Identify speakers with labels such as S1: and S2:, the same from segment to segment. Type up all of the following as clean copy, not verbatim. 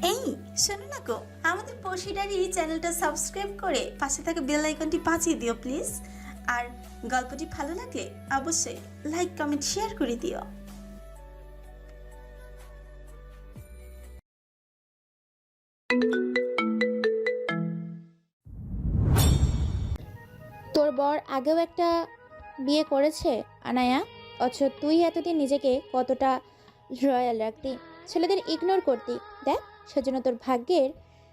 S1: এই শোনো না গো, আমাদের পশিডারি চ্যানেলটা সাবস্ক্রাইব করে পাশে থাকা বেল আইকনটি বাজিয়ে দিও প্লিজ। আর গল্পটি ভালো লাগলে অবশ্যই লাইক কমেন্ট শেয়ার করে দিও।
S2: তোর বর আগেও একটা বিয়ে করেছে আনায়া, অথচ তুই এতদিন নিজেকে কতটা রয়্যাল রাখতি, ছেলেদের ইগনোর করতি। দেখ, সেজন্য তোর ভাগ্যের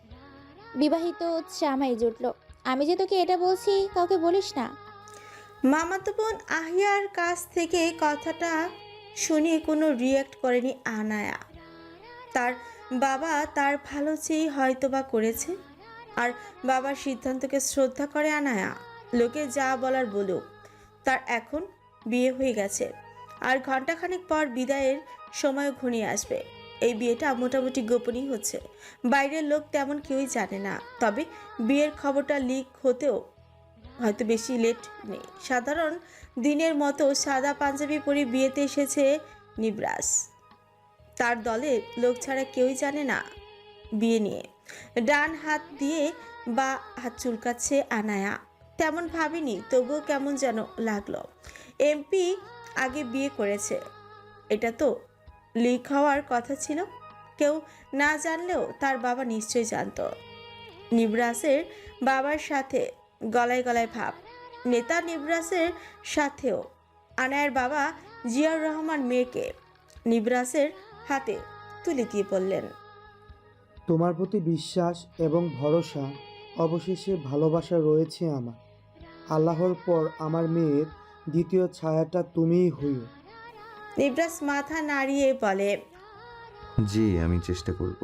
S2: বিবাহিত জামাই জুটলো। আমি যে তোকে এটা বলছি কাউকে বলিস না।
S3: মামাতো বোন আহিয়ার কাছ থেকে কথাটা শুনে কোনো রিয়্যাক্ট করেনি আনায়া। তার বাবা তার ভালো চেয়েই হয়তোবা করেছে, আর বাবার সিদ্ধান্তকে শ্রদ্ধা করে আনায়া। লোকে যা বলার বলুক, তার এখন বিয়ে হয়ে গেছে, আর ঘন্টাখানেক পর বিদায়ের সময় ঘনিয়ে আসবে। এই বিয়েটা মোটামুটি গোপনই হচ্ছে, বাইরের লোক তেমন কেউই জানে না। তবে বিয়ের খবরটা লিক হতেও হয়তো বেশি লেট নেই। সাধারণ দিনের মতো সাদা পাঞ্জাবি পরে বিয়েতে এসেছে নিবরাস। তার দলে লোক ছাড়া কেউই জানে না বিয়ে নিয়ে। ডান হাত দিয়ে বা হাত চুলকাচ্ছে আনায়া। তেমন ভাবিনি, তবুও কেমন যেন লাগলো। এমপি আগে বিয়ে করেছে, এটা তো লিক হওয়ার কথা ছিল। কেউ না জানলেও তার বাবা নিশ্চয়ই জানতো। নিবরাসের বাবার সাথে গলায় গলায় ভাব। নেতা নিবরাসের সাথেও। আনায়ের বাবা জিয়াউর রহমান মেয়েকে নিবরাসের হাতে তুলে দিয়ে বললেন,
S4: তোমার প্রতি বিশ্বাস এবং ভরসা, অবশেষে ভালোবাসা রয়েছে আমার। আল্লাহর পর আমার মেয়ের দ্বিতীয় ছায়াটা তুমিই হইও।
S3: নিবরাস মাথা নাড়িয়ে বলে।
S5: জি, আমি চেষ্টা করব।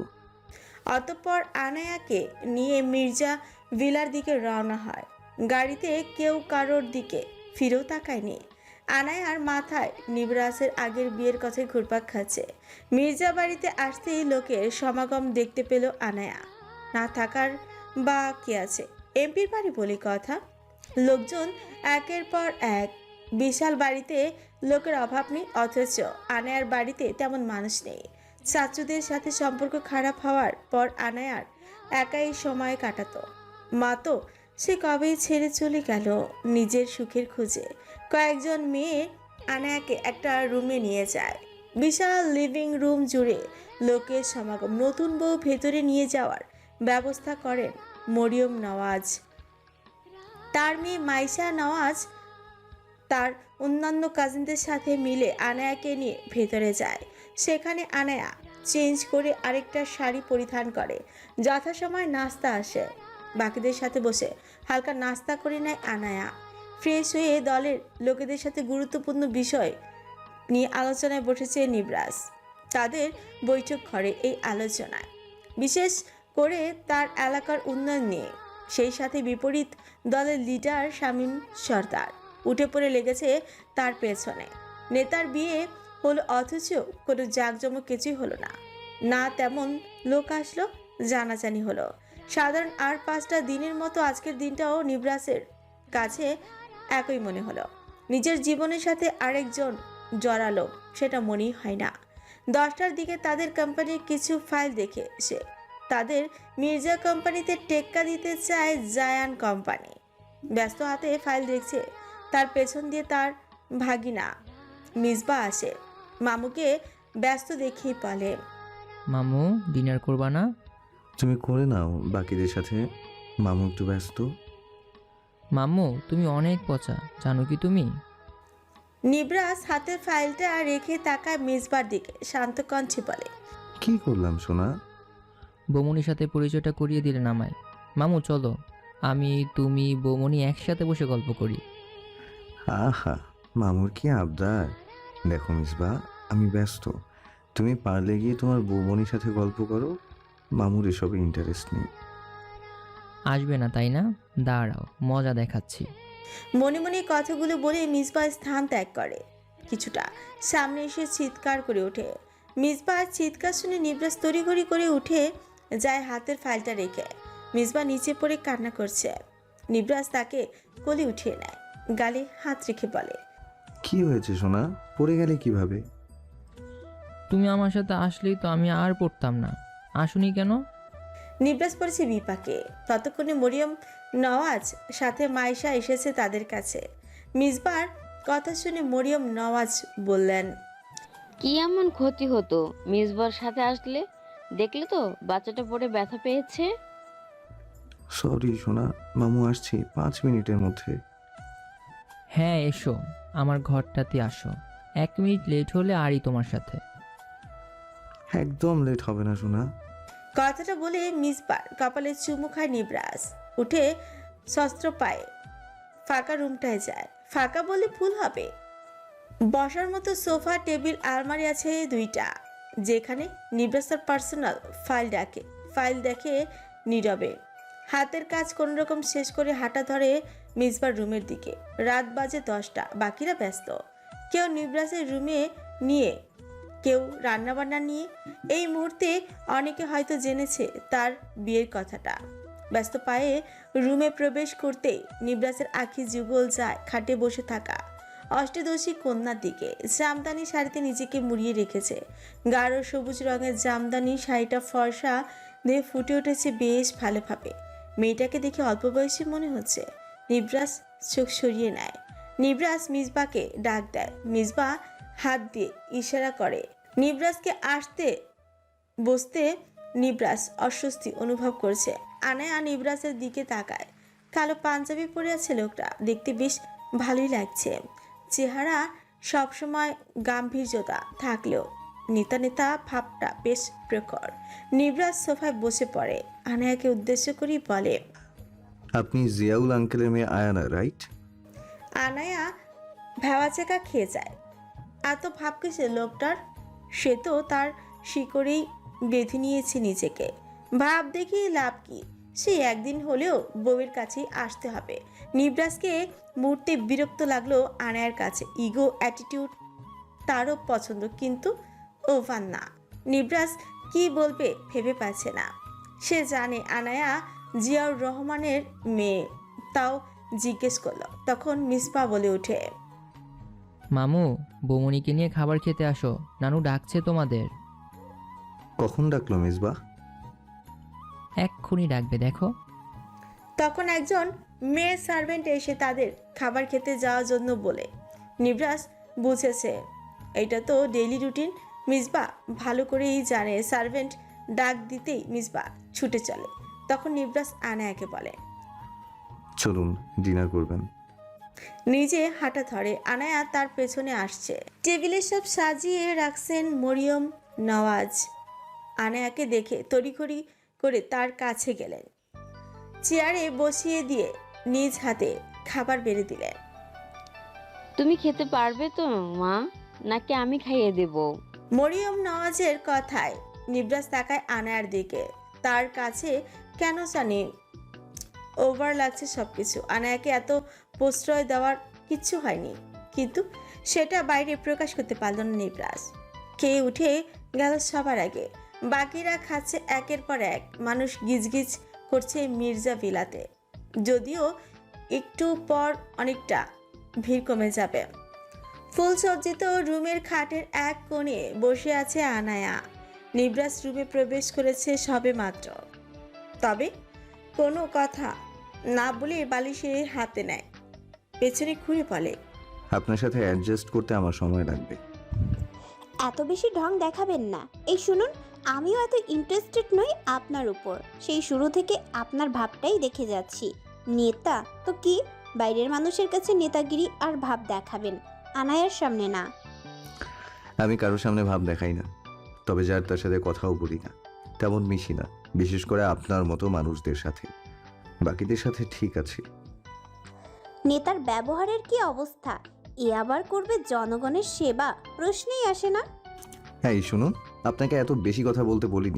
S3: অতঃপর আনায়াকে নিয়ে মির্জা ভিলার দিকে রওনা হয়। গাড়িতে কেউ কারোর দিকে ফিরেও তাকায়নি। আনায়ার মাথায় নিবরাসের আগের বিয়ের কথায় ঘুরপাক খাচ্ছে। মির্জা বাড়িতে আসতেই লোকের সমাগম দেখতে পেল আনায়া। না থাকার বা কে আছে, এমপির বাড়ি বলে কথা। লোকজন একের পর এক। বিশাল বাড়িতে লোকের অভাব নেই, অথচ আনায়ার বাড়িতে তেমন মানুষ নেই। চাচুদের সাথে সম্পর্ক খারাপ হওয়ার পর আনায়ার একাই সময় কাটাতো। মা তো সে কবেই ছেড়ে চলে গেল নিজের সুখের খোঁজে। কয়েকজন মেয়ে আনায়াকে একটা রুমে নিয়ে যায়। বিশাল লিভিং রুম জুড়ে লোকের সমাগম। নতুন বউ ভেতরে নিয়ে যাওয়ার ব্যবস্থা করেন মরিয়ম নওয়াজ। তার মেয়ে মাইশা নওয়াজ তার অন্যান্য কাজিনদের সাথে মিলে আনায়াকে নিয়ে ভেতরে যায়। সেখানে আনায়া চেঞ্জ করে আরেকটা শাড়ি পরিধান করে। যথাসময় নাস্তা আসে। বাকিদের সাথে বসে হালকা নাস্তা করে নেয় আনায়া। ফ্রেশ হয়ে দলের লোকেদের সাথে গুরুত্বপূর্ণ বিষয় নিয়ে আলোচনায় বসেছে নিবরাস। তাদের বৈঠক ঘরে এই আলোচনায় বিশেষ করে তার এলাকার উন্নয়ন নিয়ে। সেই সাথে বিপরীত দলের লিডার শামীম সর্দার উঠে পড়ে লেগেছে তার পেছনে। নেতার বিয়ে হলো, অথচ কোনো জাঁকজমক কিছুই হলো না। না তেমন লোক আসলো, জানাজানি হলো। সাধারণ আর 5টা দিনের মতো আজকের দিনটাও নিবরাসের কাছে একই মনে হলো। নিজের জীবনের সাথে আরেকজন জড়ালো, সেটা মনেই হয় না। 10টার দিকে তাদের কোম্পানির কিছু ফাইল দেখে সে তাদের মির্জা কোম্পানিতে টেক্কা দিতে চায় জায়ান কোম্পানি। ব্যস্ত হাতে ফাইল দেখছে। তার পেছন দিয়ে তার ভাগিনা মিসবা আসে। মামুকে ব্যস্ত দেখেই বলে,
S6: মামু, ডিনার করবা না?
S5: তুমি করে নাও বাকিদের সাথে, মামু একটু ব্যস্ত।
S6: মাম্মু, তুমি অনেক পচা, জানো কি তুমি?
S3: নিবরাস হাতের ফাইলটা রেখে তাকায় মিসবার দিকে, শান্ত কণ্ঠে বলে,
S5: কি করলাম সোনা?
S6: বৌমনির সাথে পরিচয়টা করিয়ে দিলেন আমায়। মামু চলো, আমি তুমি বৌমনি একসাথে বসে গল্প করি।
S5: আহা, মামুর কি আবদার। দেখো মিসবা, আমি ব্যস্ত। তুমি পারলে গিয়ে তোমার বৌমনির সাথে গল্প করো, মামুর এসবে ইন্টারেস্ট নেই।
S6: আসবে না তাই না? দাঁড়াও, মজা দেখাচ্ছি।
S3: মনে মনে কথাগুলো বলে মিসবা স্থান ত্যাগ করে। কিছুটা সামনে এসে চিৎকার করে ওঠে। মিসবার চিৎকার শুনে নিবরাস তড়িঘড়ি করে উঠে যায় হাতের ফাইলটা রেখে। মিসবা নিচে পড়ে কান্না করছে। নিবরাস তাকে কোলে উঠিয়ে নেয়, গালে হাত রেখে বলে,
S5: কি হয়েছে সোনা? পড়ে গেলে কিভাবে?
S6: তুমি আমার সাথে আসলেই তো আমি আর পড়তাম না। আসুনি কেন?
S3: নিবরাস পড়েছে বিপাকে। ততক্ষণে মরিয়ম নওয়াজ সাথে মাইশা এসেছে তাদের কাছে। মিসবার কথা শুনে মরিয়ম নওয়াজ বললেন,
S7: কি এমন ক্ষতি হতো মিসবার সাথে আসলে? দেখলে তো বাচ্চাটা পড়ে ব্যথা পেয়েছে।
S5: সরি সোনা, মামু আসছি 5 মিনিটের মধ্যে।
S6: হ্যাঁ এসো, আমার ঘরটাতে আসো। 1 মিনিট লেট হলে আরই তোমার সাথে।
S5: একদম লেট হবে না সোনা।
S3: কথাটা বলে মিসবার কপালে চুমু খায় নিবরাস। উঠে শস্ত্র পায়ে ফাঁকা রুমটায় যায়। ফাঁকা বলে ভুল হবে, বসার মতো সোফা, টেবিল, আলমারি আছে 2টা, যেখানে নিবরাসের পার্সোনাল ফাইল দেখে নীরবে। হাতের কাজ কোনোরকম শেষ করে হাঁটা ধরে মিসবার রুমের দিকে। রাত বাজে 10টা, বাকিরা ব্যস্ত। কেউ নিবরাসের রুমে নিয়ে, কেউ রান্নাবান্না নিয়ে। এই মুহূর্তে অনেকে হয়তো জেনেছে তার বিয়ের কথাটা। ব্যস্ত পায়ে রুমে প্রবেশ করতেই নিবরাসের আঁখি যুগল যায় খাটে বসে থাকা অষ্টদশী কন্যার দিকে। জামদানি শাড়িতে নিজেকে মুড়িয়ে রেখেছে। গাঢ় সবুজ রঙের জামদানি শাড়িটা ফর্সা দিয়ে ফুটে উঠেছে বেশ ভালোভাবে। মেয়েটাকে দেখে অল্প বয়সী মনে হচ্ছে। নিবরাস চোখ সরিয়ে নেয়। নিবরাস মিসবাকে ডাক দেয়। মিসবা হাত দিয়ে ইশারা করে নিবরাসকে আসতে। বসতে নিবরাস অস্বস্তি অনুভব করছে। আনায়া নিবরাসের দিকে তাকায়। কালো পাঞ্জাবি পরে আছে লোকটা, দেখতে বেশ ভালোই লাগছে। চেহারা সবসময় গাম্ভীর্যতা থাকলেও নেতা নেতা ভাবটা বেশ প্রখর। নিবরাস সোফায় বসে পড়ে। আনায়াকে উদ্দেশ্য করেই বলে,
S5: আপনি জিয়াউল আঙ্কেলের মেয়ে আয়ানা, রাইট?
S3: আনায়া ভেওয়াচেকা খেয়ে যায়। এত ভাব কিসে লোকটার? সে তো তার শিকড়েই বেঁধে নিয়েছে নিজেকে। ভাব দেখিয়ে লাভ কি? সে একদিন হলেও বউয়ের কাছেই আসতে হবে। নিবরাসকে মুহূর্তে বিরক্ত লাগলো আনায়ার কাছে। ইগো, অ্যাটিটিউড তারও পছন্দ, কিন্তু ওভার না। নিবরাস কি বলবে ভেবে পাচ্ছে না। সে জানে আনায়া জিয়াউর রহমানের মেয়ে, তাও জিজ্ঞেস করলো। তখন মিসপা বলে ওঠে,
S6: মামু, বৌমনিকে নিয়ে খাবার খেতে আসো, নানু ডাকছে তোমাদের।
S5: কখন ডাকলো মিসবা?
S6: এক্ষুনি ডাকবে, দেখো।
S3: তখন একজন মেয়ে সার্ভেন্ট এসে তাদের খাবার খেতে যাওয়ার জন্য বলে। নিবরাস বুঝেছে এটা তো ডেইলি রুটিন। মিসবা ভালো করেই জানে সার্ভেন্ট ডাক দিতেই মিসবা ছুটে চলে। তখন নিবরাস আনায়াকে বলে,
S5: চলুন ডিনার করবেন।
S3: নিজে হাঁটা ধরে। আনায়া তার পেছনে আসছে। টেবিলে সব সাজিয়ে রাখছেন মরিয়ম নওয়াজ। আনায়াকে দেখে তড়িঘড়ি করে তার কাছে গেলেন। চেয়ারে বসিয়ে দিয়ে নিজ হাতে খাবার বেড়ে দিলেন।
S7: তুমি খেতে পারবে তো মা, নাকি আমি খাইয়ে দেব?
S3: মরিয়ম নওয়াজের কথায় নিবরাস তাকায় আনায়ার দিকে। তার কাছে কেন জানি ওভার লাগছে সবকিছু। আনায়াকে এত প্রশ্রয় দেওয়ার কিচ্ছু হয়নি, কিন্তু সেটা বাইরে প্রকাশ করতে পারল না নিবরাস। খেয়ে উঠে গেল সবার আগে। বাকিরা খাচ্ছে একের পর এক। মানুষ গিজগিজ করছে মির্জা ভিলাতে। যদিও একটু পর অনেকটা ভিড় কমে যাবে। ফুলসজ্জিত রুমের খাটের এক কোণে বসে আছে আনায়া। নিবরাস রুমে প্রবেশ করেছে সবে মাত্র, তবে কোনো কথা না বলে বালিশে হাতে নেয়। পেছনে ঘুরে বলে,
S5: আপনার সাথে অ্যাডজাস্ট করতে আমার সময় লাগবে।
S8: এত বেশি ঢং দেখাবেন না। এই শুনুন, আমিও এত ইন্টারেস্টেড নই আপনার উপর। সেই শুরু থেকে আপনার ভাবটাই দেখে যাচ্ছি। নেতা তো কি, বাইরের মানুষের কাছে নেতাগিরি আর ভাব দেখাবেন, আনায়ার সামনে না।
S5: আমি কারোর সামনে ভাব দেখাই না, তবে যার তার সাথে কথাও বলি না, তেমন মিশি না, বিশেষ করে আপনার মতো মানুষদের সাথে। বাকিদের সাথে ঠিক আছে।
S8: নেতার ব্যবহারের কি অবস্থা? এ আবার করবে জনগণের সেবা, প্রশ্নেই আসে না।
S5: হ্যাঁ, এই শুনুন, আপনাকে এত বেশি কথা বলতে বলিনি।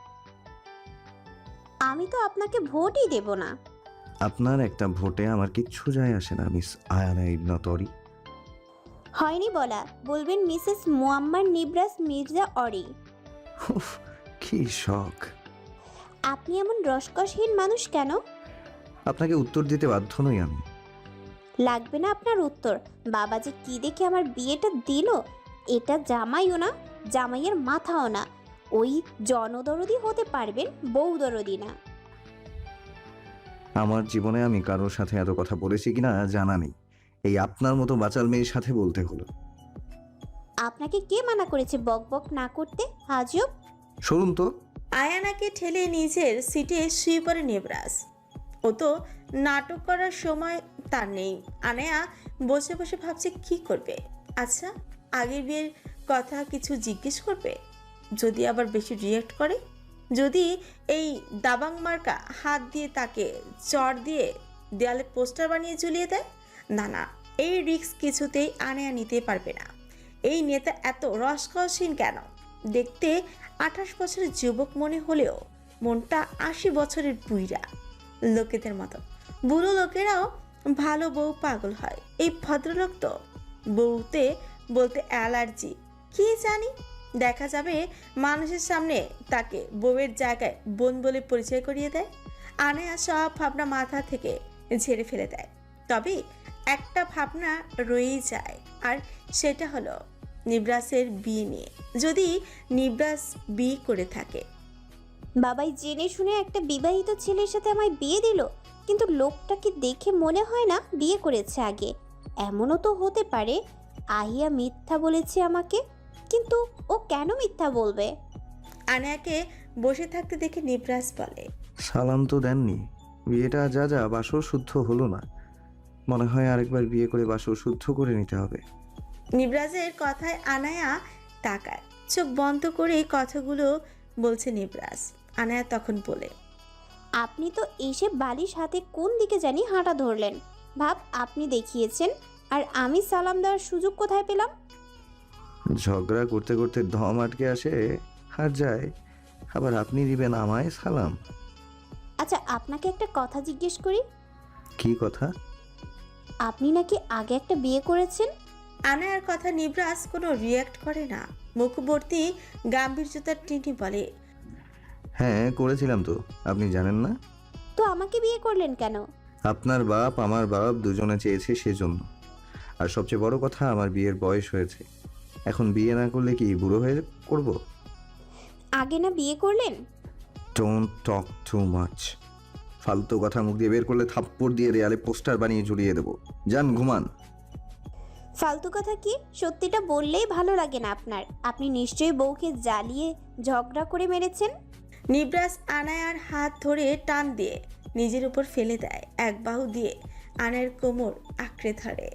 S8: আমি তো আপনাকে ভোটই দেব না।
S5: আপনার একটা ভোটে আমার কিচ্ছু যায় আসে না মিস আয়ানা ইবনা তরি।
S8: হয়নি বলা, বলবেন মিসেস মুয়াম্মার নিবরাস মির্জা অরি।
S5: উফ, কি শখ!
S8: আপনি এমন রসকসহীন মানুষ কেন?
S5: আপনাকে উত্তর দিতে বাধ্য নই আমি।
S8: লাগবে না আপনার উত্তর। বাবা যে কি দেখে আমার বিয়েটা দিল, এটা জামাইও না, জামাইয়ের মাথাও না। ওই জনদরদি হতে পারবেন, বউ দরদি না।
S5: আমার জীবনে আমি কারোর সাথে এত কথা বলেছি কিনা জানা নেই, এই আপনার মতো বাচাল মেয়ের সাথে বলতে হলো।
S8: আপনাকে কে মানা করেছে বক বক না করতে? আজব।
S5: শুনুন তো।
S3: আয়ানাকে ঠেলে নিজের সিটে শুয়ে পড়ে নিবরাজ। ও তো নাটক করার সময় তার নেই। আনায়া বসে বসে ভাবছে কি করবে। আচ্ছা, আগের বিয়ের কথা কিছু জিজ্ঞেস করবে? যদি আবার বেশি রিয়েক্ট করে, যদি এই দাবাং মার্কা হাত দিয়ে তাকে চড় দিয়ে দেয়ালে পোস্টার বানিয়ে ঝুলিয়ে দেয়, না না, এই রিস্ক কিছুতেই আনায়া নিতে পারবে না। এই নেতা এত রসকসহীন কেন? দেখতে 28 বছরের যুবক মনে হলেও মনটা 80 বছরের বুইড়া লোকেদের মতো। বুড়ো লোকেরাও ভালো বউ পাগল হয়, এই ভদ্রলোক তো বউতে বলতে অ্যালার্জি। কি জানি, দেখা যাবে মানুষের সামনে তাকে বউয়ের জায়গায় বোন বলে পরিচয় করিয়ে দেয়। আনায়া সব ভাবনা মাথা থেকে ঝেড়ে ফেলে দেয়। তবে একটা ভাবনা রয়েই যায়, আর সেটা হলো নিবরাসের বিয়ে নিয়ে। যদি নিবরাস বিয়ে করে থাকে,
S8: বাবাই জেনে শুনে একটা বিবাহিত ছেলের সাথে আমায় বিয়ে দিল, কিন্তু লোকটাকে দেখে মনে হয় না বিয়ে করেছে আগে। এমনও তো হতে পারে আহিয়া মিথ্যা বলেছে আমাকে, কিন্তু ও কেন মিথ্যা বলবে?
S3: আনায়াকে বসে থাকতে দেখে নিবরাস বলে,
S5: সালাম তো দেননি, বিয়েটা যা যা বাসর শুদ্ধ হলো না, মনে হয় আরেকবার বিয়ে করে বাসর শুদ্ধ করে নিতে হবে।
S3: নিবরাজের কথায় আনায়া তাকায়, চোখ বন্ধ করে কথাগুলো বলছে নিবরাজ। আনায়া তখন বলে,
S8: আপনি তো এসে বালিশ হাতে কোন দিকে জানি হাঁটা ধরলেন। ভাব আপনি দেখিয়েছেন, আর আমি সালাম দেওয়ার সুযোগ কোথায় পেলাম?
S5: ঝগড়া করতে করতে দম আটকে আসে আর যায়, আবার আপনি দিবেন আমায় সালাম?
S8: আচ্ছা, আপনাকে একটা কথা জিজ্ঞেস করি।
S5: কি কথা?
S8: আপনি নাকি আগে একটা বিয়ে করেছেন?
S3: আনায়ার কথা নিবরাজ কোনো রিয়াক্ট করে না। মুখবর্তী গাম্ভীর্যতার টিনি বলে,
S5: হ্যাঁ করেছিলাম তো, আপনি জানেন না?
S8: তো আমাকে বিয়ে করলেন কেন?
S5: আপনার বাপ আমার বাপ দুজনে চেয়েছে সেজন্য। আর সবচেয়ে বড় কথা, আমার বিয়ের বয়স হয়েছে, এখন বিয়ে না করলে কি বুড়ো হয়ে করব?
S8: আগে না বিয়ে করলেন?
S5: Don't talk too much. ফালতু কথা মুখ দিয়ে বের করলে থাপ্পড় দিয়ে দেয়ালে পোস্টার বানিয়ে ঝুলিয়ে দেবো। যান ঘুমান।
S8: ফালতু কথা কি? সত্যিটা বললেই ভালো লাগে না আপনার। আপনি নিশ্চয়ই বউকে জ্বালিয়ে ঝগড়া করে মেরেছেন।
S3: নিবরাজ আনায়ার হাত ধরে টান দিয়ে নিজের উপর ফেলে দেয়। এক বাহু দিয়ে আনায়ার কোমর আঁকড়ে ধরে।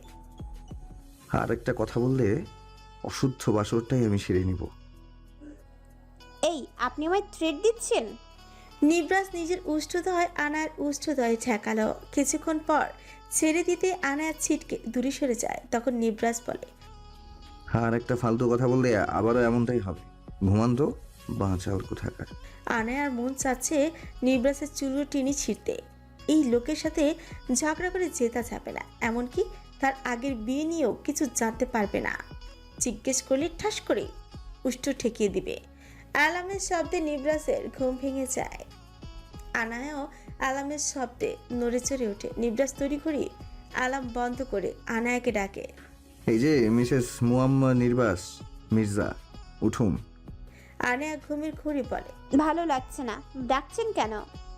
S5: আর একটা কথা বললে অশুদ্ধ বাসরটাই আমি সেরে নিব।
S8: এই, আপনি আমায় থ্রেট দিচ্ছেন?
S3: নিবরাজ নিজের উষ্ঠদয় আনায়ার উষ্ঠদয়ে ঠেকালো। কিছুক্ষণ পর ছেড়ে দিতে আনায়ার ছিটকে দূরে সরে যায়। তখন নিবরাজ বলে,
S5: আর একটা ফালতু কথা বললে আবারও এমনটাই হবে। ঘুমান তো, বাঁচাওর কোথাকার।
S3: আনায়ার মন চাচ্ছে নিবরাজের চুলো টিনি ছিঁড়তে। এই লোকের সাথে ঝগড়া করে জেতা যাবে না, এমনকি তার আগের বিয়ে নিয়েও কিছু জানতে পারবে না। জিজ্ঞেস করলে ঠাস করে উষ্ঠ ঠেকিয়ে দিবে। অ্যালার্মের শব্দে নিবরাজের ঘুম ভেঙে যায়। আনায়াও অ্যালার্মের শব্দে নড়ে চড়ে ওঠে। নিবরাজ তৈরি করি অ্যালার্ম বন্ধ করে আনায়াকে ডাকে,
S5: এই যে মিসেস মুয়াম্মা নির্বাস মির্জা, উঠুন।
S3: আনায়া ঘুমের ঘুরি বলে,
S8: ভালো লাগছে না। ডাকছেন কেন?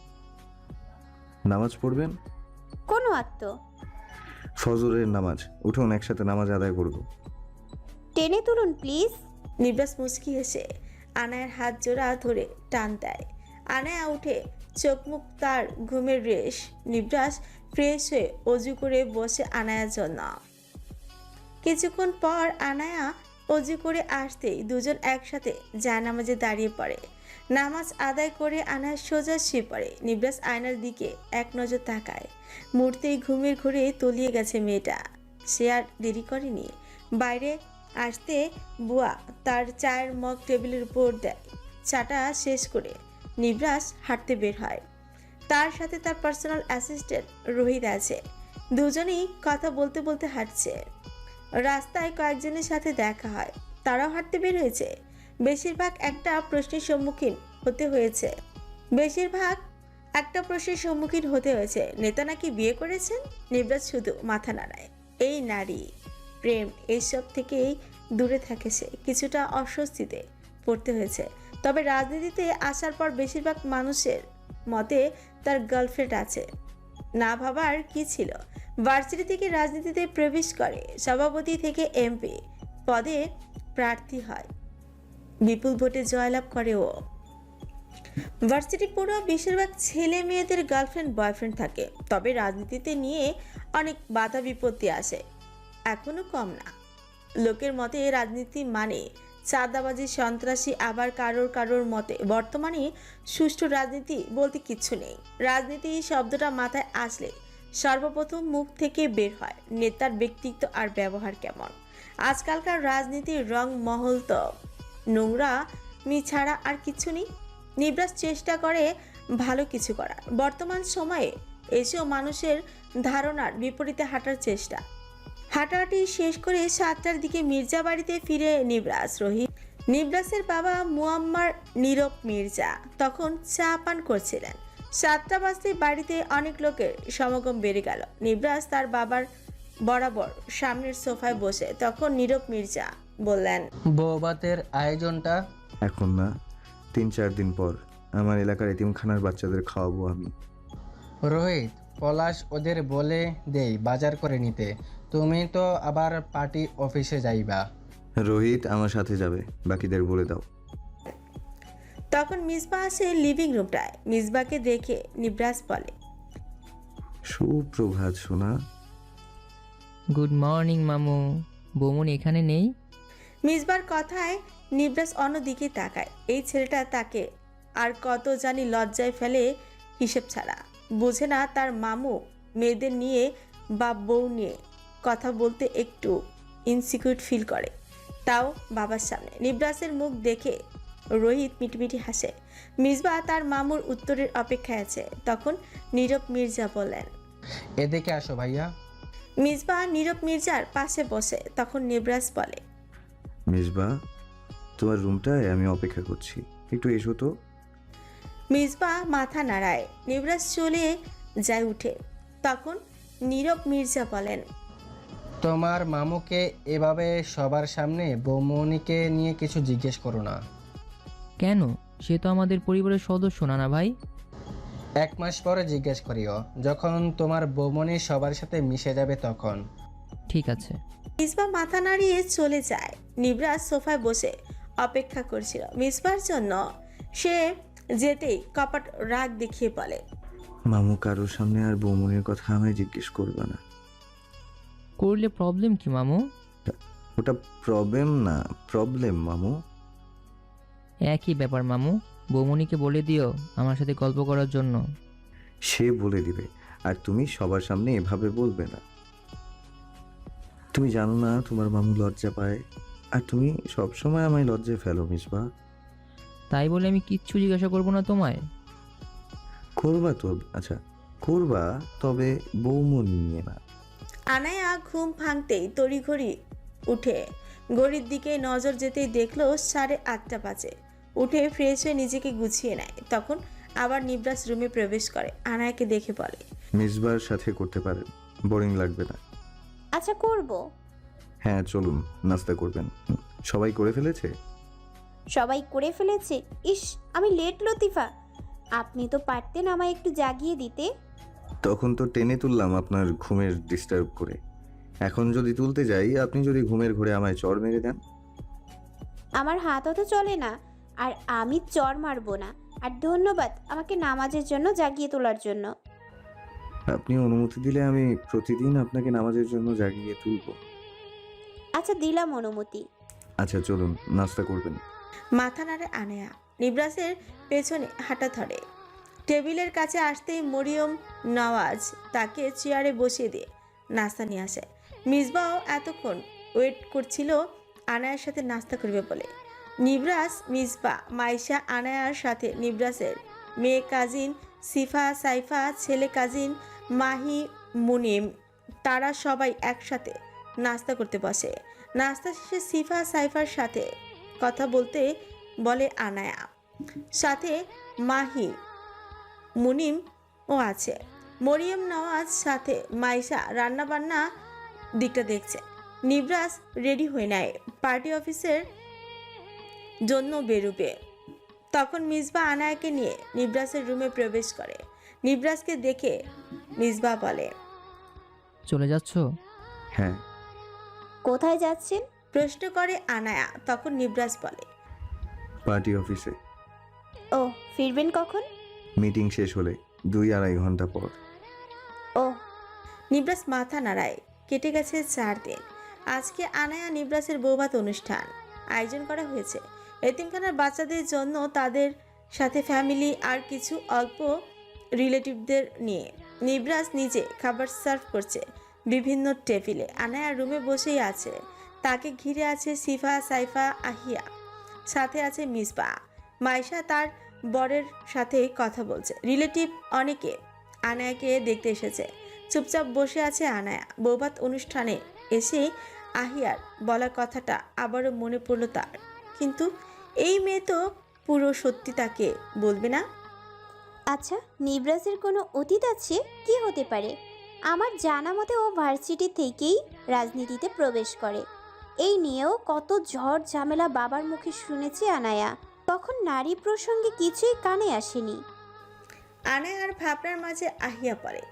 S5: নামাজ পড়বেন?
S8: কোনো আত্ম?
S5: ফজরের নামাজ। উঠুন, একসাথে নামাজ আদায় করব।
S8: টেনে তুলুন প্লিজ।
S3: নিবরাজ মুচকি হেসে আনায়ার হাত জোড়া ধরে টান দেয়। আনায়া উঠে, চোখ মুখ তার ঘুমের রেশ। নিবরাজ ফ্রেশ হয়ে অজু করে বসে আনায়ার জন্য। কিছুক্ষণ পর আনায়া অজু করে আসতেই দুজন একসাথে জায়নামাজে দাঁড়িয়ে পড়ে। নামাজ আদায় করে আনায়া সোজা শুয়ে পড়ে। নিবরাজ আয়নার দিকে এক নজর তাকায়। মুহূর্তেই ঘুমের ঘোরে তলিয়ে গেছে মেয়েটা। সে আর দেরি করেনি। বাইরে আসতে বুয়া তার চায়ের মগ টেবিলের উপর দেয়। চাটা শেষ করে নিবরাজ হাঁটতে বের হয়। তার সাথে তার পার্সোনাল অ্যাসিস্ট্যান্ট রোহিত আছে। দুজনেই কথা বলতে বলতে হাঁটছে। রাস্তায় কয়েকজনের সাথে দেখা হয়, তারাও হাঁটতে বের হয়েছে। বেশিরভাগ একটা প্রশ্নের সম্মুখীন হতে হয়েছে, নেতা নাকি বিয়ে করেছেন? নিবরাজ শুধু মাথা নাড়ায়। এই নারী প্রেম এইসব থেকেই দূরে থাকে সে। কিছুটা অস্বস্তিতে পড়তে হয়েছে। তবে রাজনীতিতে আসার পর বেশিরভাগ মানুষের মতে তার গার্লফ্রেন্ড আছে। না ভাবার কি ছিল, ভার্সিটি থেকে রাজনীতিতে প্রবেশ করে, সভাপতি থেকে এমপি পদে প্রার্থী হয়, বিপুল ভোটে জয়লাভ করে ও। ভার্সিটি পড়ুয়া বেশিরভাগ ছেলে মেয়েদের গার্লফ্রেন্ড বয়ফ্রেন্ড থাকে, তবে রাজনীতিতে নিয়ে অনেক বাধা বিপত্তি আসে, এখনো কম না। লোকের মতে রাজনীতি মানে চাঁদাবাজি, সন্ত্রাসী, আবার কারোর মতে বর্তমানে সুষ্ঠু রাজনীতি বলতে কিচ্ছু নেই। রাজনীতি শব্দটা মাথায় আসলে সর্বপ্রথম মুখ থেকে বের হয় নেতার ব্যক্তিত্ব আর ব্যবহার কেমন। আজকালকার রাজনীতির রং মহল তো নোংরা মি ছাড়া আর কিছু নেই। নিবরাস চেষ্টা করে ভালো কিছু করার, বর্তমান সময়ে এসেও মানুষের ধারণার বিপরীতে হাঁটার চেষ্টা। হাঁটাহাঁটি শেষ করে 7টার দিকে মির্জা বাড়িতে ফিরে নিবরাস। নিবরাসের বাবা মুয়াম্মার নীরব মির্জা তখন চা পান করছিলেন। 7টা বাজতে বাড়িতে অনেক লোকের সমাগম বেড়ে গেল। নিবরাস তার বাবার বরাবর সামনের সোফায় বসে, তখন নীরব মির্জা বললেন,
S9: বৌভাতের আয়োজনটা
S5: এখন না, 3-4 দিন পর আমার এলাকার এতিমখানার বাচ্চাদের খাওয়াবো আমি।
S9: রোহিত, পলাশ ওদের বলে দেই বাজার করে নিতে। তুমি তো আবার পার্টি অফিসে যাইবা।
S5: রোহিত আমার সাথে যাবে, বাকিদের বলে দাও।
S3: তখন মিসবা আসে লিভিং রুমটায়। মিসবাকে দেখে নিবরাস বলে,
S5: সুপ্রভাত সোনা।
S6: গুড মর্নিং মামু। বৌমনি এখানে নেই?
S3: মিসবার কথায় নিবরাস অন্যদিকে তাকায়। এই ছেলেটা তাকে আর কত জানি লজ্জায় ফেলে হিসেব ছাড়া। বুঝে না তার মামু মেয়েদের নিয়ে বা বউ নিয়ে কথা বলতে একটু ইনসিকিউর ফিল করে, তাও বাবার সামনে। নিবরাসের মুখ দেখে রোহিত মিটমিটি হাসে। মিসবা তার মামুর উত্তরের অপেক্ষায় আছে। তখন নীরব মির্জা বললেন,
S9: এদিকে আসো ভাইয়া।
S3: মিসবা নীরব মির্জার পাশে বসে। তখন নিবরাস বলে,
S5: মিসবা, তোমার রুমটায় আমি অপেক্ষা করছি, একটু এসো তো।
S3: মিসবা মাথা নাড়ায়। নিবরাস চলে যায় উঠে। তখন নীরব মির্জা বলেন,
S9: তোমার মামুকে এভাবে সবার সামনে বৌমনিকে নিয়ে কিছু জিজ্ঞেস করো না।
S6: কেন? সে তো আমাদের পরিবারের সদস্য না ভাই।
S9: 1 মাস পরে জিজ্ঞেস করিও, যখন তোমার বৌমনি সবার সাথে মিশে যাবে তখন।
S6: ঠিক আছে।
S3: মিসবা মাথা নাড়িয়ে চলে যায়। নিবরাস সোফায় বসে অপেক্ষা করছিল মিসবার জন্য। সে যেতেই কপাট রাগ দেখিয়ে বলে,
S5: মামু কারোর সামনে আর বৌমনির কথা আমায় জিজ্ঞেস করবে না।
S6: করলে প্রবলেম কি মামু?
S5: ওটা প্রবলেম না, প্রবলেম মামু।
S6: একই ব্যাপার মামু। বৌমনিকে বলে দিও আমার সাথে গল্প করার জন্য।
S5: সে বলে দিবে, আর তুমি সবার সামনে এভাবে বলবে না। তুমি জানো না তোমার মামু লজ্জা পায়, আর তুমি সবসময় আমায় লজ্জায় ফেলো মিসবা।
S6: তাই বলে আমি কিচ্ছু জিজ্ঞাসা করবো না তোমায়?
S5: করবা তো, আচ্ছা করবা, তবে বৌমনি নিয়ে না।
S3: আনায়া ঘুম ভাঙতেই তড়িঘড়ি উঠে ঘড়ির দিকে নজর যেতেই দেখলো 8:30 বাজে। উঠে ফ্রেশ হয়ে নিজেকে গুছিয়ে নেয়। তখন আবার নিবরাস রুমে প্রবেশ করে। আনায়াকে দেখে বলে,
S5: মিসবার সাথে করতে পারেন, বোরিং লাগবে না।
S8: আচ্ছা করব।
S5: হ্যাঁ চলুন, নাস্তা করবেন। সবাই করে ফেলেছে?
S8: সবাই করে ফেলেছে। ইস, আমি লেট লতিফা। আপনি তো পারতেন আমায় একটু জাগিয়ে দিতে।
S5: তখন তো টেনে তুললাম আপনার ঘুমের ডিস্টার্ব করে। এখন যদি তুলতে যাই, আপনি যদি ঘুমের ঘোরে আমায় চড় মেরে দেন।
S8: আমার হাত অত চলে না, আর আমি চর মারবো না। আর ধন্যবাদ আমাকে নামাজের জন্য জাগিয়ে তোলার জন্য।
S5: আপনি অনুমতি দিলে আমি প্রতিদিন আপনাকে নামাজের জন্য জাগিয়ে তুলব।
S8: আচ্ছা দিলাম অনুমতি।
S5: আচ্ছা চলুন, নাস্তা করবেন।
S3: মাথা নাড়ে আনায়া। নিবরাসের পেছনে হাঁটা ধরে। টেবিলের কাছে আসতেই মরিয়ম নওয়াজ তাকে চেয়ারে বসিয়ে দিয়ে নাস্তা নিয়ে আসে। মিসবাও এতক্ষণ ওয়েট করছিল আনায়ার সাথে নাস্তা করবে বলে। নিবরাস, মিসবা, মাইশা, আনায়ার সাথে নিবরাসের মেয়ে কাজিন সিফা, সাইফা, ছেলে কাজিন মাহি, মুনিম, তারা সবাই একসাথে নাস্তা করতে বসে। নাস্তা শেষে সিফা সাইফার সাথে কথা বলতে বলে আনায়া। সাথে মাহি, মুনিম ও আছে। মরিয়ম নওয়াজ সাথে মাইশা রান্নাবান্না দিকটা দেখছে। নিবরাস রেডি হয়ে নেয়, পার্টি অফিসের জন্য বেরোবে। তখন মিসবা আনায়াকে নিয়ে নিবরাসের রুমে প্রবেশ করে। নিবরাসকে দেখে মিসবা বলে,
S6: চলে যাচ্ছ?
S5: হ্যাঁ।
S8: কোথায় যাচ্ছেন?
S3: প্রশ্ন করে আনায়া। তখন নিবরাস বলে,
S5: পার্টি অফিসে।
S8: ও, ফিরবেন কখন?
S5: মিটিং শেষ হলে 2-2.5 ঘন্টা পর।
S8: ও,
S3: নিবরাস মাথা নাড়ায়। কেটে গেছে 4 দিন। আজকে আনায়া নিবরাসের বৌভাত অনুষ্ঠান আয়োজন করা হয়েছে এতিমখানার বাচ্চাদের জন্য, তাদের সাথে ফ্যামিলি আর কিছু অল্প রিলেটিভদের নিয়ে। নিবরাস নিজে খাবার সার্ভ করছে বিভিন্ন টেবিলে। আনায়া রুমে বসেই আছে। তাকে ঘিরে আছে সিফা, সাইফা, আহিয়া, সাথে আছে মিসবা। মাইশা তার বরের সাথে কথা বলছে। রিলেটিভ অনেকে আনায়াকে দেখতে এসেছে। চুপচাপ বসে আছে আনায়া। বৌভাত অনুষ্ঠানে এসে আহিয়ার বলা কথাটা আবারও মনে পড়ল তার। কিন্তু এই মেয়ে তো পুরো সত্যি তাকে বলবে না।
S8: আচ্ছা, নিবরাজের কোনো অতীত আছে? কি হতে পারে? আমার জানা মতে ও ভার্সিটি থেকেই রাজনীতিতে প্রবেশ করে। এই নিয়েও কত ঝড় ঝামেলা বাবার মুখে শুনেছি আনায়া। তখন নারী প্রসঙ্গে কিছুই কানে আসেনি।
S3: আনায়ার ভাবনার মাঝে আহিয়া পড়ে।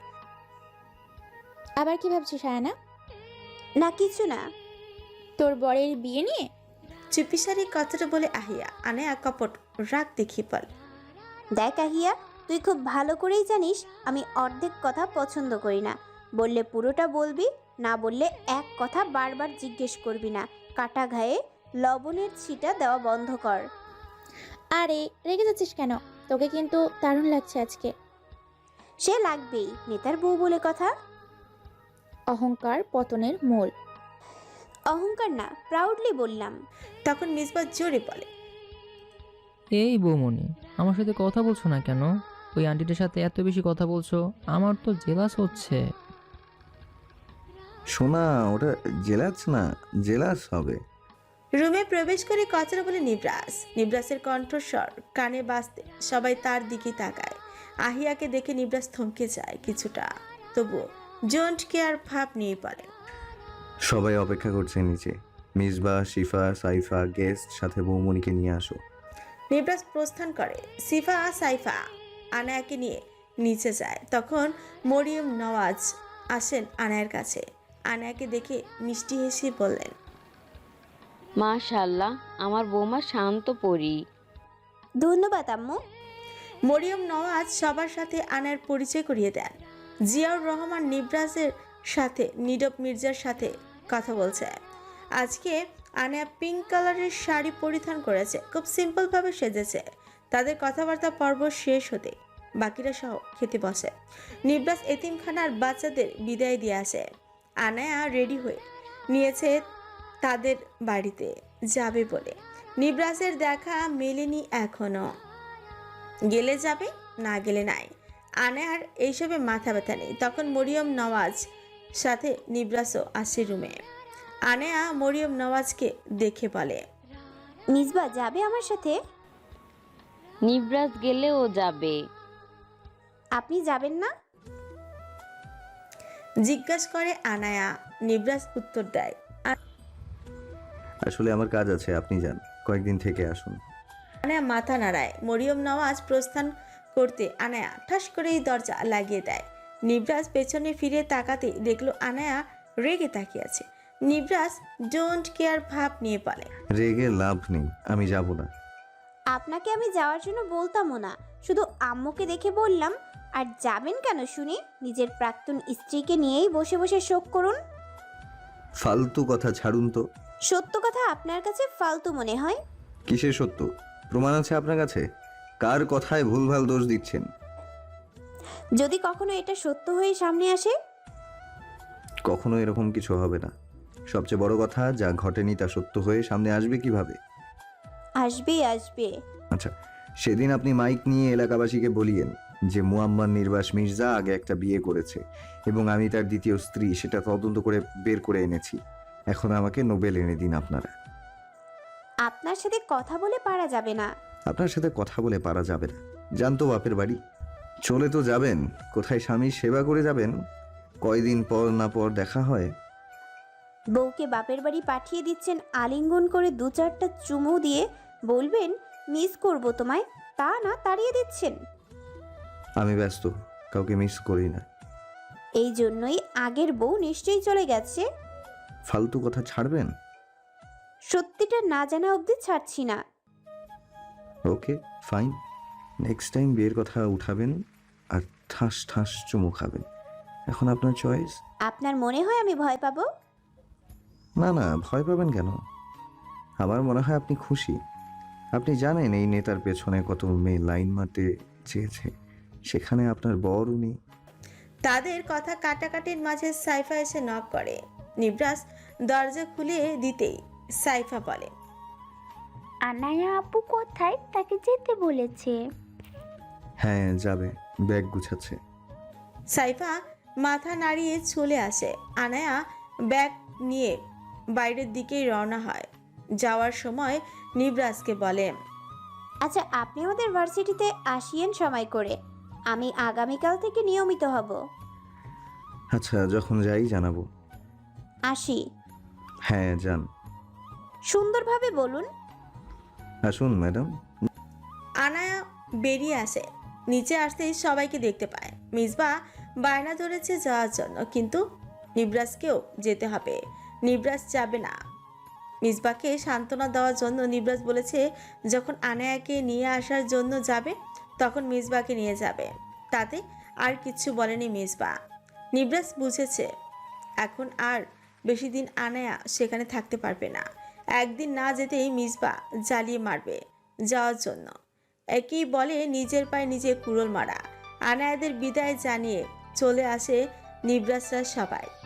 S2: আবার কি ভাবছিস সায়ানা?
S8: না, কিছু না।
S2: তোর বরের বিয়ে নিয়ে?
S3: চুপিসারি কথাটা বলে আহিয়া। আনায়া কপট রাগ দেখিয়ে বলে,
S8: দেখ আহিয়া, তুই খুব ভালো করেই জানিস আমি অর্ধেক কথা পছন্দ করি না। বললে পুরোটা বলবি, না বললে এক কথা বারবার জিজ্ঞেস করবি না। কাটা ঘায়ে লবণের ছিটা দেওয়া বন্ধ কর।
S2: আরে রেগে যাচ্ছিস কেন? তোকে কিন্তু দারুণ লাগছে আজকে।
S8: সে লাগবেই, নেতার বউ বলে কথা।
S2: অহংকার পতনের মূল।
S8: অহংকার না, প্রাউডলি বললাম।
S3: তখন মিসবা জোরে বলে,
S6: এই বৌমনি, আমার সাথে কথা বলছো না কেন? ওই আন্টিটার সাথে এত বেশি কথা বলছো, আমার তো জেলাস হচ্ছে।
S5: শোনা, ওটা জেলাস না, জেলাস হবে।
S3: রুমে প্রবেশ করে কথাটা বলে নিবরাস। নিবরাসের কণ্ঠস্বর কানে বাজতে সবাই তার দিকে তাকায়। আহিয়াকে দেখে নিবরাস থমকে যায় কিছুটা, তবুও ডোন্ট কেয়ার ভাব নিয়ে পড়ে।
S5: সবাই অপেক্ষা করছে নিচে। মিসবা, শিফা, সাইফা, গেস্ট, সাথে বৌমনিকে নিয়ে আসো।
S3: নিবরাস প্রস্থান করে। সিফা, সাইফা আনায়াকে নিয়ে নিচে যায়। তখন মরিয়ম নওয়াজ আসেন আনায়ার কাছে। আনায়াকে দেখে মিষ্টি হেসে বললেন,
S7: মাশাআল্লাহ, আমার বৌমা শান্ত পরি।
S8: ধন্যবাদ আম্মু।
S3: মরিয়ম নওয়াজ সবার সাথে আনায়ার পরিচয় করিয়ে দেন। জিয়াউর রহমান নিবরাসের সাথে নীরব মির্জার সাথে কথা বলছে। আজকে আনায়া পিঙ্ক কালারের শাড়ি পরিধান করেছে, খুব সিম্পলভাবে সেজেছে। তাদের কথাবার্তা পর্ব শেষ হতে বাকিরা সহ খেতে বসে। নিবরাস এতিমখানার বাচ্চাদের বিদায় দিয়ে আসে। আনায়া রেডি হয়ে নিয়েছে তাদের বাড়িতে যাবে বলে। নিবরাসের দেখা মেলেনি এখনো। গেলে যাবে, না গেলে নাই। আনায়ার এইসবে মাথা ব্যথা নেই। তখন মরিয়ম নওয়াজ সাথে নিবরাসও আসে রুমে। আনায়া মরিয়ম নওয়াজকে দেখে বলে,
S8: মিসবা যাবে আমার সাথে?
S7: নিবরাজ গেলেও যাবে।
S8: আপনি যাবেন না?
S3: জিজ্ঞাসা করে আনায়া। নিবরাস উত্তর দেয়,
S5: আসলে আমার কাজ আছে, আপনি যান, কয়েকদিন থেকে আসুন।
S3: আনায়া মাথা নাড়ায়। মরিয়ম নওয়াজ প্রস্থান করতে আনায়া ঠাস করেই দরজা লাগিয়ে দেয়। নিবরাস পেছনে ফিরে তাকাতে দেখলো আনায়া রেগে তাকিয়ে আছে। নিবরাস ডোন্ট কেয়ার ভাব নিয়ে বলে,
S5: রেগে লাভ নেই, আমি যাব না।
S8: আপনাকে আমি যাওয়ার জন্য বলতামও না, শুধু আম্মুকে দেখে বললাম। আর যাবেন কেন শুনি? নিজের প্রাক্তন স্ত্রীকে নিয়েই বসে বসে শোক করুন।
S5: ফালতু কথা ছাড়ুন তো।
S8: সত্য কথা আপনার কাছে ফালতু মনে হয়?
S5: কিসের সত্য? প্রমাণ আছে আপনার কাছে? কার কথায় ভুলভাল দোষ দিচ্ছেন?
S8: যদি কখনো এটা সত্য হয়ে সামনে আসে?
S5: কখনো এরকম কিছু হবে না। সবচেয়ে বড় কথা, যা ঘটেনি তা সত্য হয়ে সামনে আসবে কিভাবে?
S8: আসবে আসবে।
S5: আচ্ছা, সেদিন আপনি মাইক নিয়ে এলাকাবাসীকে বলিয়েন যে মুয়াম্মার নির্বাস মির্জা আগে একটা বিয়ে করেছে এবং আমি তার দ্বিতীয় স্ত্রী, সেটা তদন্ত করে বের করে এনেছি। এখন আমাকে নোবেল এনে দিন আপনারা।
S8: আপনার সাথে কথা বলে পারা যাবে না।
S5: আপনার সাথে কথা বলে পারা যাবে না? জানতো বাপের বাড়ি, চলে তো যাবেন, কোথায় স্বামীর সেবা করে যাবেন? কয়দিন পর না পর দেখা হয়।
S8: বউকে বাপের বাড়ি পাঠিয়ে দিচ্ছেন আলিঙ্গন করে 2-4টা চুমু দিয়ে। বলবেন মিস করব তোমায়, তা না তাড়িয়ে দিচ্ছেন।
S5: আমি ব্যস্ত, কাউকে মিস করি না।
S8: এই জন্যই আগের বউ নিশ্চয়ই চলে গেছে।
S5: ফালতু কথা ছাড়বেন?
S8: সত্যিটা না জানা অবধি ছাড়ছি না।
S5: ওকে ফাইন, নেক্সট টাইম বিয়ের কথা উঠাবেন আর ঠাস ঠাস চুমু খাবেন। এখন আপনার চয়েস।
S8: আপনার মনে হয় আমি ভয় পাবো?
S5: না না, ভয় পাবেন কেন? আমার মনে হয় আপনি খুশি। আপনি জানেন এই নেতার পেছনে কত মেয়ে লাইন মারতে চেয়েছে, সেখানে আপনার বর উনি।
S3: তাদের কথা কাটাকাটির মাঝে সাইফা এসে নক করে। নিবরাস দরজা খুলে দিতেই সাইফা বলে,
S10: আনায়া আপু কোথায়? তাকে যেতে বলেছে।
S5: হ্যাঁ যাবে, ব্যাগ গুছাচ্ছে।
S3: সাইফা মাথা নাড়িয়ে চলে আসে। আনায়া ব্যাগ নিয়ে বাইরের দিকেই রওনা হয়। যাওয়ার সময় নিবরাসকে বলে,
S8: আচ্ছা, আপনি আমাদের ভার্সিটিতে আসিয়েন সময় করে, আমি আগামীকাল থেকে নিয়মিত হব।
S5: আচ্ছা, যখন যাই জানাবো।
S8: আসি।
S5: হ্যাঁ যান।
S8: সুন্দরভাবে বলুন।
S5: আসুন ম্যাডাম।
S3: আনায়া বেরিয়ে আসে। নিচে আসতেই সবাইকে দেখতে পায়। মিসবা বায়না ধরেছে যাওয়ার জন্য, কিন্তু নিবরাসকেও যেতে হবে। নিবরাস যাবে না। মিসবাকে সান্ত্বনা দেওয়ার জন্য নিবরাস বলেছে যখন আনায়াকে নিয়ে আসার জন্য যাবে তখন মিসবাকে নিয়ে যাবে। তাতে আর কিচ্ছু বলেনি মিসবা। নিবরাস বুঝেছে এখন আর বেশি দিন আনায়া সেখানে থাকতে পারবে না। একদিন না যেতেই মিসবা জ্বালিয়ে মারবে যাওয়ার জন্য। একই বলে নিজের পায়ে নিজে কুড়োল মারা। আনায়াদের বিদায় জানিয়ে চলে আসে নিবরাসরা সবাই।